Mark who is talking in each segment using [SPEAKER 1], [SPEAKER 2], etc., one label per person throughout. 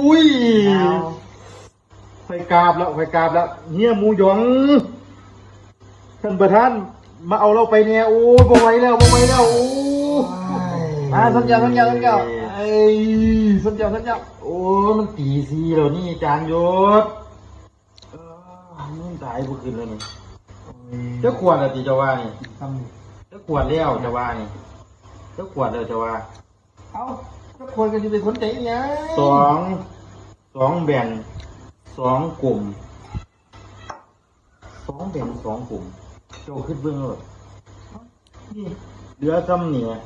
[SPEAKER 1] ยไฟกราบแล้วเฮียหมูหยองท่านประธานมาเอาเราไปเนี่ยโอ้ยบ่ไหวแล้วโอ้มาสัญญาไอ้สัญญาโอ้มันตีซีแล้วนี่จานยศมึงตายบุคืนแล้วนี่เจ้าขวดอะตีจะว่านี่เจ้าขวดแล้วจะว่านี่เจ้าขวดแล้วจะว่าเอาเจ้าขวดกันจะเป็นคนใจเนี่ยสองแบ่ง2 กลุ่ม2 แบ่ง 2 กลุ่มเจ้าขึ้นเบื้องเลยนี่เหลือซ้ำเนี่ย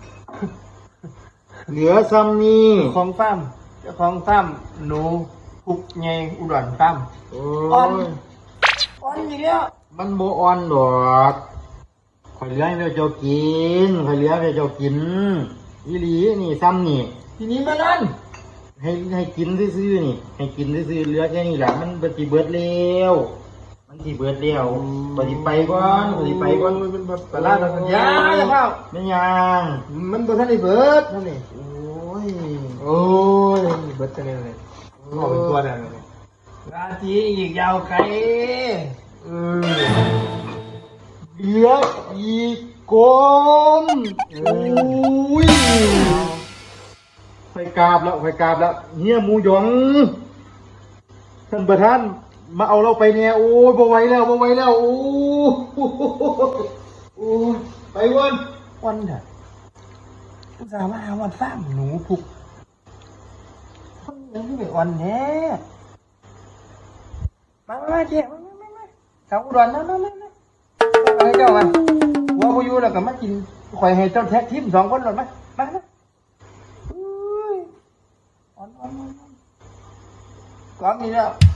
[SPEAKER 2] ของฟ้ามเจ้าของฟ้ามหนูพุกเงยอุดรฟ้ามอ่อนอีกแล้ว
[SPEAKER 1] มันโบอ่อนดอกข่อยเลี้ยงเจ้ากินอีหลีนี่ซ้ำนี่
[SPEAKER 2] ทีนี้มาลั่น
[SPEAKER 1] ให้กินซื่อๆนี่ให้กินซื่อๆเหลือแค่นี้แหละมันปฏิเบิดแล้วปฏิไปก่อน
[SPEAKER 2] มันแบบตลาดสัญญาจะเข้า
[SPEAKER 1] ไม่ยัง
[SPEAKER 2] มันบ่ทันได้เบิดเท่านี้โอ้ยเบิดกันเลยออกเป็นตัวได้เลยราตรีอีกยาวไกล
[SPEAKER 1] เหลืออีกกลมไฟกราบแล้วเฮียหมูหยองท่านประธานมาเอาเราไปเนี่ยโอ้ยบ่ไหวแล้วโอ้ไป
[SPEAKER 2] วันเถอะอุตส่าห์มาหาวันฟ้ามหนูพุกคนยังไม่ไปวันแน่มาเจ๊มาชาวอุดรมาอะไรเจ้ามาหัวกูอยู่แล้วก็มากินข่อยให้เจ้าแท็กทีม2 คนหลดมาอ่อนกองนี้แล้ว